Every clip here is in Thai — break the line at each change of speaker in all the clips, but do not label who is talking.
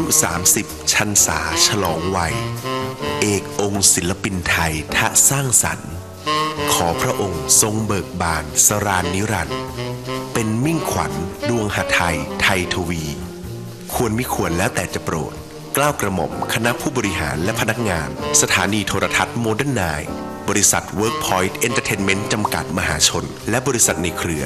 30 ชันษาฉลองวัยเอกองค์ศิลปินไทยทะสร้างสรรค์ขอพระองค์ทรงเบิกบานสราญนิรันดร์เป็นมิ่งขวัญดวงหทัยไทยทวี ควรมิควรแล้วแต่จะโปรดเกล้ากระหม่อมคณะผู้บริหารและพนักงานสถานีโทรทัศน์โมเดิร์นไนน์บริษัท Workpoint Entertainment จำกัดมหาชนและบริษัทในเครือ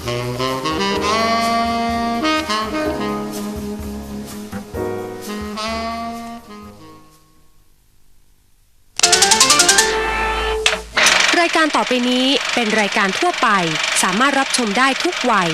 รายการต่อไปนี้เป็นรายการทั่วไปสามารถรับชมได้ทุกวัย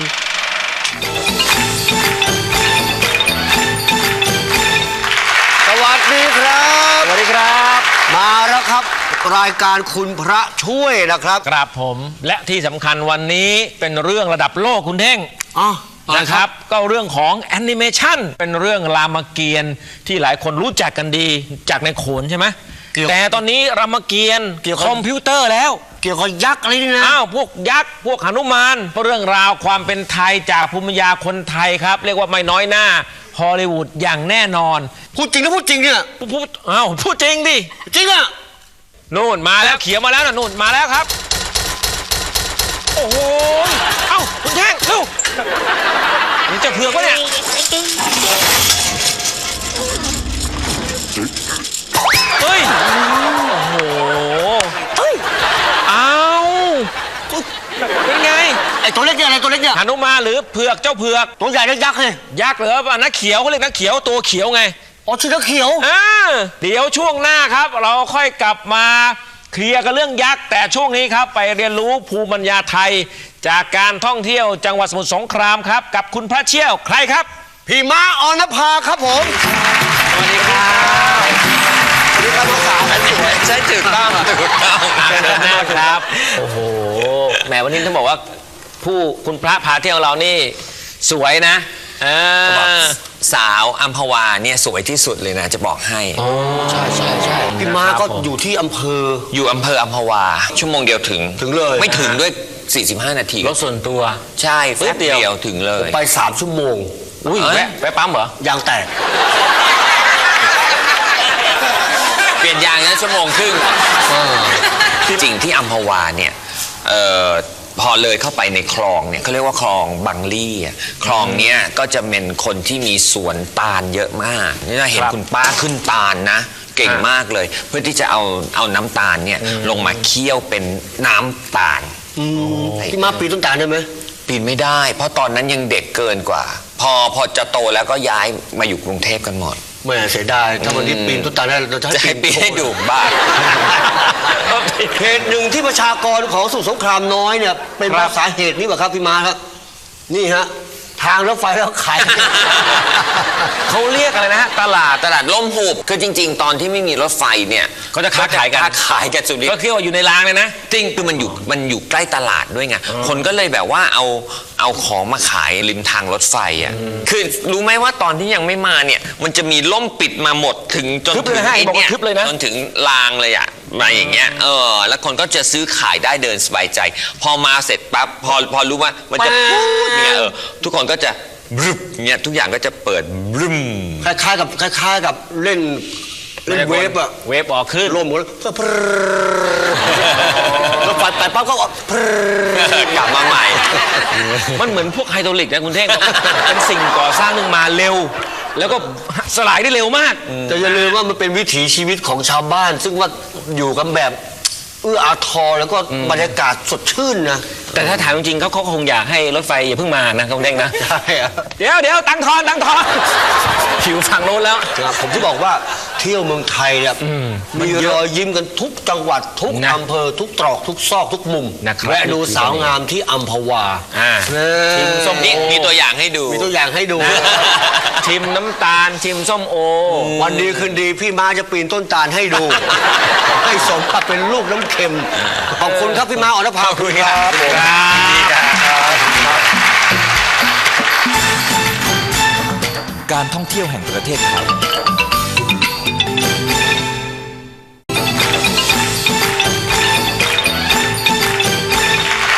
สวัสดีครับสวัสดีครับมาแล้วครับรายการคุณพระช่วยนะครับ
ครับผมและที่สำคัญวันนี้เป็นเรื่องระดับโลกคุณเท่งนะครับก็เรื่องของแอนิเมชันเป็นเรื่องรามเกียรติ์ที่หลายคนรู้จักกันดีจากในโขนใช่ไหมแต่ตอนนี้รามเกียรติ์เกี่ยวกับคอมพิวเตอร์แล้ว
เกี่ยวกับยักษ์อะไรนี่นะ
พวกยักษ์พวกหนุมานเรื่องราวความเป็นไทยจากภูมิปัญญาคนไทยครับเรียกว่าไม่น้อยหน้าฮอลลีวูดอย่างแน่นอน
พูดจริงนะพูดจริงเนี่ย
พูดจริงดิ
จริงอ่ะ
นู่นมาแล้วเขียวมาแล้วนะนู่นมาแล้วครับโอ้โหคุณแท่งเร็วนี่จะเผือกวะเนี่ยเฮ้ยโอ้โหเป็นไง
ไอ้ตัวเล็กเนี่ยอะไรตัวเล็กเนี่ย
หนุมานหรือเผือกเจ้าเผือก
ตัวใหญ่เล็กยักษ์เลย
ยักษ์เหรอนักเขียวเขาเรียกนักเขียวตัวเขียวไง
อ๋อชื่อนักเขียว
เดี๋ยวช่วงหน้าครับเราค่อยกลับมาเคลียร์กันเรื่องยักษ์แต่ช่วงนี้ครับไปเรียนรู้ภูมิปัญญาไทยจากการท่องเที่ยวจังหวัดสมุทรสงครามครับกับคุณพระเชี่ยวใครครับ
พี่ม้าออนภาครับผม
สวัสดีครับ
สวัสดีครับภาษา
ใช่ถูกต้องครับโอ้โหแหมวันนี้ต้องบอกว่าคุณพระพาเที่ยวเรานี่สวยนะ
สาวอัมพวาเนี่ยสวยที่สุดเลยนะจะบอกให้
ใช่พี่ม้าก็อยู่ที่อำเภอ
อัมพวาชั่วโมงเดียวถึง
เลย
ไม่ถึงด้วย45 นาที
รถส่วนตัว
ใช่แป๊บเดียวถึงเลย
ไป3 ชั่วโมง
แวะปั๊มเหรอย
างแตก
เปลี่ยนยางนั้นชั่วโมงครึ่งจริงที่อัมพวาเนี่ยพอเลยเข้าไปในคลองเนี่ยเขาเรียกว่าคลองบังลี่คลองเนี้ยก็จะเป็นคนที่มีสวนตาลเยอะมากนี่เราเห็นคุณป้าขึ้นตาลนะเก่งมากเลยเพื่อที่จะเอาน้ำตาลเนี่ยลงมาเคี่ยวเป็นน้ำตาล
พี่มาปีนต้นตาลได้ไหม
ปีนไม่ได้เพราะตอนนั้นยังเด็กเกินกว่าพอจะโตแล้วก็ย้ายมาอยู่กรุงเทพกันหมด
ไม่เสียดายถ้าวันนี้ปีนต้นตาลได้เราจะ
ให้ปีนให้ดูบ้าน
เหตุหนึ่งที่ประชากรของสมุทรสงครามน้อยเนี่ยเป็นสาเหตุนี้ป่ะครับพี่มาครับนี่ฮะทางรถไฟแล้วขาย
เขาเรียกอะไรนะฮะตลาดล่มหุบคือจริงๆตอนที่ไม่มีรถไฟเนี่ย
เขาจะค้าขาย
กันสุดฤทธิ์
ก็เที่ยวอยู่ในรางเลยนะ
จริงคือมันอยู่ใกล้ตลาดด้วยไงคนก็เลยแบบว่าเอาของมาขายริมทางรถไฟอ่ะคือรู้ไหมว่าตอนที่ยังไม่มาเนี่ยมันจะมีล่มปิดมาหมดถึงจนถึงเนี่ยจนถึงรางเลยอ่ะมาอย่างเงี้ยแล้วคนก็จะซื้อขายได้เดินสบายใจพอมาเสร็จปั๊บพอรู้ว่ามันจะพูดเนี่ยทุกคนก็จะบึ้มเนี่ยทุกอย่างก็จะเปิดบึ้ม
คล้ายๆกับเล่นเวฟอะ
เวฟออกขึ้น
ร่มหมดแล้วไปปั๊บก็
กลับมาใหม่
มันเหมือนพวกไฮดรอลิกนะคุณเท่งเป็นสิ่งก่อสร้างหนึ่งมาเร็วแล้วก็สลายได้เร็วมาก
แต่อย่าลืมว่ามันเป็นวิถีชีวิตของชาวบ้านซึ่งว่าอยู่กันแบบอาทรแล้วก็บรรยากาศสดชื่นนะ
แต่ถ้าถามจริงๆเขาคงอยากให้รถไฟอย่าเพิ่งมานะคุณเด้งนะ
ใช่
เดี๋ยวตังทอนผิวฝั่งโน้นแล้ว
ผมที่บอกว่าเที่ยวเมืองไทยเนี่ยมีรอยยิ้มกันทุกจังหวัดทุกอำเภอทุกตรอกทุกซอกทุกมุมแวะดูสาวงามที่อัมพวา
ชิมส้มมีตัวอย่างให้ดู
ชิมน้ำตาลชิมส้มโอ
วันดีคืนดีพี่มาจะปีนต้นตาลให้ดูให้สมกับเป็นลูกน้ำเค็มขอบคุณครับพี่มาอรภาคุยครับ
การท่องเที่ยวแห่งประเทศไทย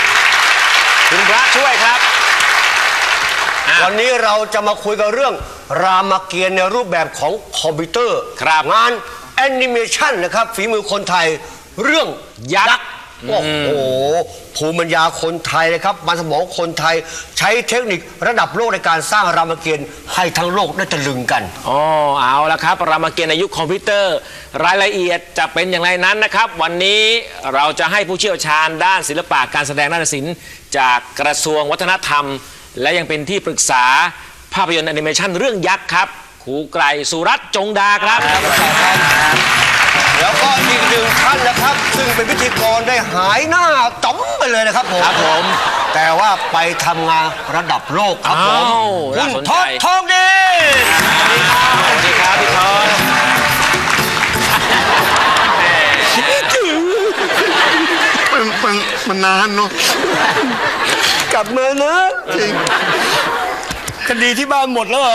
คุณพระช่วยครับ
วันนี้เราจะมาคุยกันเรื่องรามเกียรติ์ในรูปแบบของคอมพิวเตอร์
ครับ
งานแอนิเมชันนะครับฝีมือคนไทยเรื่องยักษ์โอ้โหภูมิปัญญาคนไทยนะครับมันสมองคนไทยใช้เทคนิคระดับโลกในการสร้างรามเกียรติ์ให้ทั้งโลกได้ตะลึงกัน
อ๋อเอาละครับรามเกียรติ์ในยุคคอมพิวเตอร์ รายละเอียดจะเป็นอย่างไรนั้นนะครับ วันนี้เราจะให้ผู้เชี่ยวชาญด้านศิลปะการแสดงนาฏศิลป์จากกระทรวงวัฒนธรรม และยังเป็นที่ปรึกษาภาพยนตร์แอนิเมชันเรื่องยักษ์ครับครูไกรสุรัตน์จงดาครับ
แล้วก็อีกหนึ่งท่านนะครับ ซึ่งเป็นพิธีกรได้หายหน้าจ๋อมไปเลยนะครับผม
ครับผม
แต่ว่าไปทำงานระดับโลกครับผม
อ้าว
คุ
น่า
ณ
สน
ท
ใจ
อดทองดี
สวัสดีครับพี่ทอน
มันนานเนาะ
กลับมานะคดีที่บ้านหมดแล้วเหรอ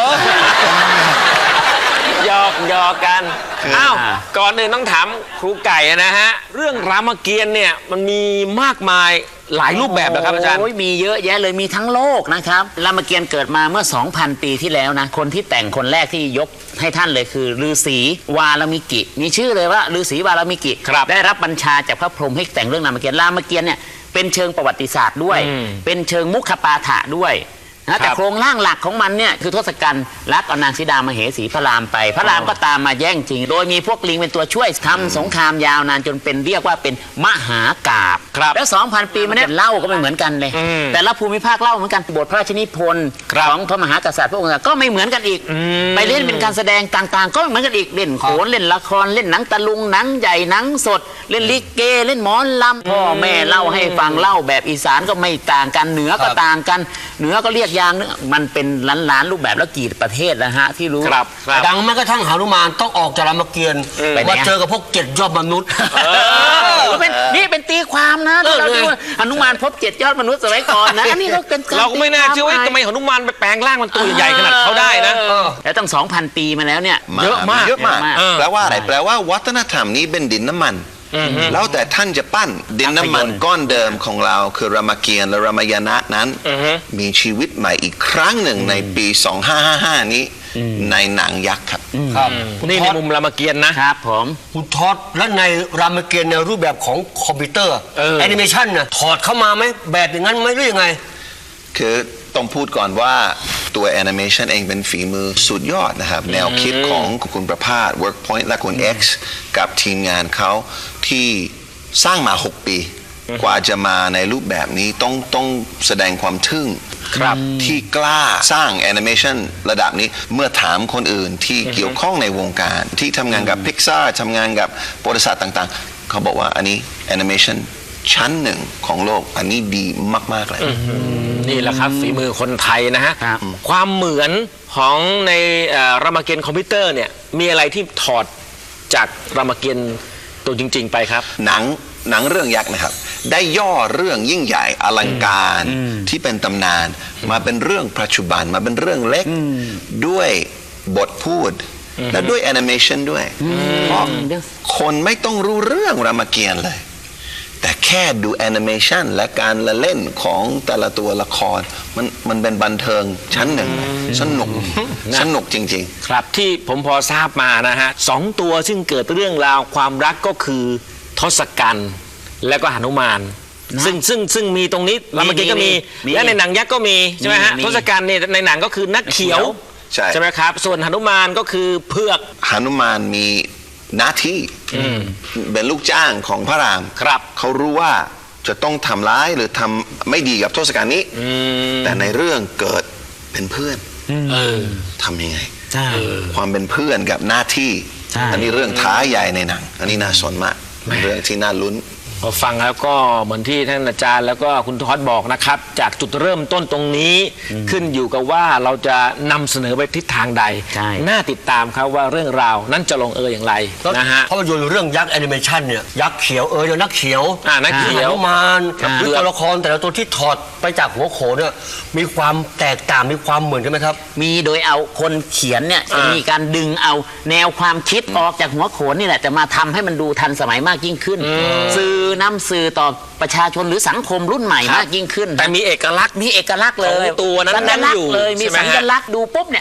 หยอกกันอ้าวก่อนอื่นต้องถามครูไก่นะฮะเรื่องรามเกียรติ์เนี่ยมันมีมากมายหลายรูปแบบนะครับอาจารย์
โอ้ยมีเยอะแยะเลยมีทั้งโลกนะครับรามเกียรติ์เกิดมาเมื่อ 2,000 ปีที่แล้วนะคนที่แต่งคนแรกที่ยกให้ท่านเลยคือฤาษีวาลมิกิมีชื่อเลยว่าฤาษีวาลมิกิ
ครับ
ได้รับบัญชาจากพระพรหมให้แต่งเรื่องรามเกียรติ์เนี่ยเป็นเชิงประวัติศาสตร์ด้วย เป็นเชิงมุขปาฐะด้วยนะแต่โครงร่างหลักของมันเนี่ยคือทศกัณฐ์รักเอานางสีดามเหสีพระรามไป พระรามก็ตามมาแย่งชิง โดยมีพวกลิงเป็นตัวช่วยทำสงครามยาวนานจนเป็นเรียกว่าเป็นมหากาพย์
ครับ
แล้ว 2,000 ปีมาเนี่ยเล่าก็ไม่เหมือนกันเลย แต่ละภูมิภาคเล่าเหมือนกันบทพระราชนิพนธ์
ครับ
ของพระมหากษัตริย์พระองค์ก็ไม่เหมือนกันอีก ไปเล่นเป็นการแสดงต่างๆ ก็ไม่เหมือนกันอีกเล่นโขนเล่นละครเล่นหนังตะลุงหนังใหญ่หนังสด เล่นลิเกเล่นหมอลำพ่อแม่เล่าให้ฟังเล่าแบบอีสานก็ไม่ต่างกันเหนือก็ต่างกันเหนือก็เรียกอย่างนึงมันเป็นล้านๆรูปแบบแล้วกี่ประเทศนะฮะที่รู้
ครับ
ดังแม้กระทั่งหนุมานต้องออกจากรามเกียรติ์
ไปไหน
มา
อะ
เจอกับพวกเจ็ดยอดมนุษย์
นี่เป็นตีความนะที่เราดูว่าหนุมานพบ7 ยอดมนุษย์สมัยก่อนนะอันนี้ก็เป็น
เราก็ไม่น่าเชื่อว่าทำไมหนุมานไปแปลงร่างมันตัวใหญ่ขนาดเขาได้นะ
แล้วตั้ง 2,000 ปีมาแล้วเนี่ย
เยอะมาก
เยอะมาก
เยอะมาก
แปลว่าอะไรแปลว่าวัฒนธรรมนี้เป็นดินน้ำมัน แล้วแต่ท่านจะปั้นดินน้ำมันก้อนเดิมของเราคือรามเกียรติ์และรามายณะนั้น มีชีวิตใหม่อีกครั้งหนึ่งในปี 2555 นี้ในหนังยักษ์ครับ
ครับ
นี่ในมุมรามเกียรติ์นะ
ครับผม
คุณทอดและในรามเกียรติ์ในรูปแบบของคอมพิวเตอร์ แอนิเมชันน่ะถอดเข้ามาไหมแบบอย่างนั้นไหมหรือยังไง
คือต้องพูดก่อนว่าตัวแอนิเมชันเองเป็นฝีมือสุดยอดนะครับ แนวคิดของคุณประภาส Workpoint และคุณ X กับทีมงานเขาที่สร้างมา 6 ปี กว่าจะมาในรูปแบบนี้ต้องแสดงความทึ่งที่กล้าสร้างแอนิเมชันระดับนี้เมื่อถามคนอื่นที่เกี่ยวข้องในวงการ ที่ทำงานกับ Pixar ทำงานกับบริษัทต่างๆ เขาบอกว่าอันนี้แอนิเมชันชั้นหนึ่งของโลกอันนี้ดีมากๆเลย
นี่แหละครับฝีมือคนไทยนะฮะ
ครับ
ความเหมือนของในรามเกียรติ์คอมพิวเตอร์เนี่ยมีอะไรที่ถอดจากรามเกียรติ์ตัวจริง ๆ ไปครับ
หนังเรื่องยักษ์นะครับ ได้ย่อเรื่องยิ่งใหญ่อลังการที่เป็นตำนานมาเป็นเรื่องปัจจุบันมาเป็นเรื่องเล็กด้วยบทพูด และด้วยแอนิเมชันด้วย เพราะคนไม่ต้องรู้เรื่องรามเกียรติ์เลย แต่แค่ดูแอนิเมชันและการละเล่นของแต่ละตัวละครมันเป็นบันเทิงชั้นหนึ่งสนุกจริงๆ
ครับที่ผมพอทราบมานะฮะสองตัวซึ่งเกิดเรื่องราวความรักก็คือทศกัณฐ์และก็หนุมานซึ่งมีตรงนี้รามเกียรติ์ก็มีและในหนังยักษ์ก็มีใช่ไหมฮะ
มี
ทศกัณฐ์เนี่ยในหนังก็คือนักเขียว
ใช่
ไหมครับส่วนหนุมานก็คือเพือก
หนุมานมีหน้าที่เป็นลูกจ้างของพระราม
ครับ
เขารู้ว่าจะต้องทำร้ายหรือทำไม่ดีกับทศกัณฐ์นี้ แต่ในเรื่องเกิดเป็นเพื่อนทำยังไง
ใช่
ความเป็นเพื่อนกับหน้าที่
ใช่
อันนี้เรื่องท้าใหญ่ในหนัง อันนี้น่าสนมากเป็นเรื่องที่น่าลุ้น
พอฟังแล้วก็เหมือนที่ท่านอาจารย์แล้วก็คุณทอดบอกนะครับ จากจุดเริ่มต้นตรงนี้ขึ้นอยู่กับว่าเราจะนำเสนอไปทิศทางใด
ใช่
น่าติดตามครับว่าเรื่องราวนั้นจะลงเอยอย่างไรนะฮะ
ภาพยนตร์เรื่องยักษ์แอนิเมชันเนี่ยยักษ์เขียวเดี๋ยวนักเขียว
นักเขียว
หนุมานหรือตัวละครแต่ละตัวที่ถอดไปจากหัวโขนเนี่ยมีความแตกต่างมีความเหมือนกันไหมครับ
มีโดยเอาคนเขียนเนี่ยจะมีการดึงเอาแนวความคิดออกจากหัวโขนนี่แหละจะมาทำให้มันดูทันสมัยมากยิ่งขึ้น สื่อนำสื่อต่อประชาชนหรือสังคมรุ่นใหม่มากยิ่งขึ้น
แต่มีเอกลักษณ์
มีเอกลักษณ์เลย
ของตัวนั้น
สัญลักษ
อยู่
ณ์เลยมี
ใช่ไหม
สั
ฮะ
ญลักษณ์ดูปุ๊บเนี่ย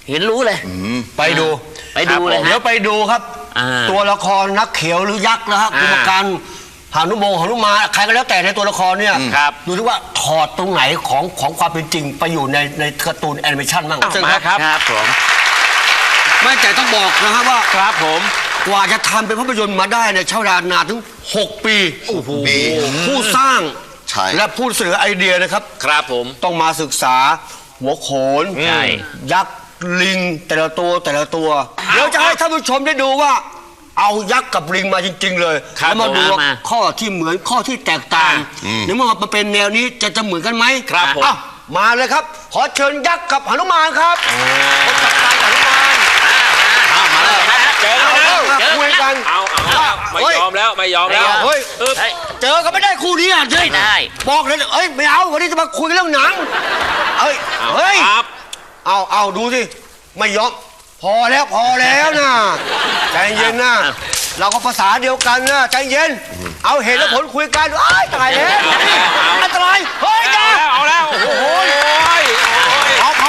เห็นรู้เลย
ไปดู
ไปดูเลย
เดี๋ยวไปดูครับ
อ่า
ตัวละครนักเขียวหรือยักษ์นะฮะ
อ่า
กุมารหานุมานใครก็แล้วแต่ในตัวละครเนี่ย
ครับ
ดูที่ว่าถอดตรงไหนของความเป็นจริงไปอยู่ในการ์ตูนแอนิเมชันบ้าง
มาครับ
ครับผม
ไม่แต่ต้องบอกนะฮะว่า
ครับผม
กว่าจะทำเป็นภาพยนตร์มาได้เนี่ยใช้เวลานานถึง 6 ปีผู้สร้าง
ใช่
และผู้เสนอไอเดียนะครับ
ครับผม
ต้องมาศึกษาหัวโขน
ใช่
ยักษ์ลิงแต่ละตัวเดี๋ยวจะให้ท่านผู้ชมได้ดูว่า เอายักษ์กับลิงมาจริง ๆ เลย
ครับ
แล้วมาดูว่า
มา
ข้อที่เหมือนข้อที่แตกต่างในเมื่อมันเป็นแนวนี้จะเหมือนกันไหม
ครับผม
อ้าวมาเลยครับ ขอเชิญยักษ์กับหนุมานครับพบกับการหนุมาน
มาเลยเจอแล้วนะ
คุยกัน
เอาไม่ยอมแล้วไม่ยอมแล้ว
เฮ้ย
เฮ้ย
เจอกันไม่ได้คู่นี้อ่ะเจ๊
ไม่ได้
บอกเลยเอ้ยไม่เอาวันนี้จะมาคุยเรื่องหนังเฮ้ย
ครับ
เอาดูสิไม่ยอมพอแล้วนะใจเย็นนะเราก็ภาษาเดียวกันนะใจเย็น เอาเหตุและผลคุยกันอ้ายตายแล้วอันตรายเฮ้ยจ้า
เอาแล้วโอ้โห
พอ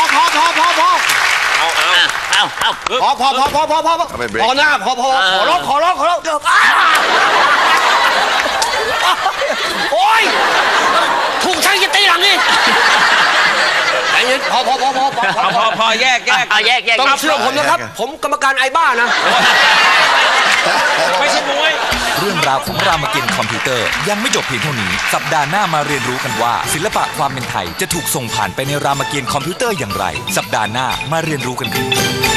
ไปเบรก
พอหน้าพอขอร้องโอ้ยถูกช่างจะตีหลังนี่ใจเย็นพอ
พอแยก
เอาแยก
ต้องเชื่อผมนะครับ ผมกรรมการไอ้บ้านะ
ไม่ใช่มวย
เรื่องราวของรามเกียรติ์คอมพิวเตอร์ยังไม่จบเพียงเท่านี้ สัปดาห์หน้ามาเรียนรู้กันว่า ศิลปะความเป็นไทยจะถูกส่งผ่านไปในรามเกียรติ์คอมพิวเตอร์อย่างไร สัปดาห์หน้ามาเรียนรู้กันครับ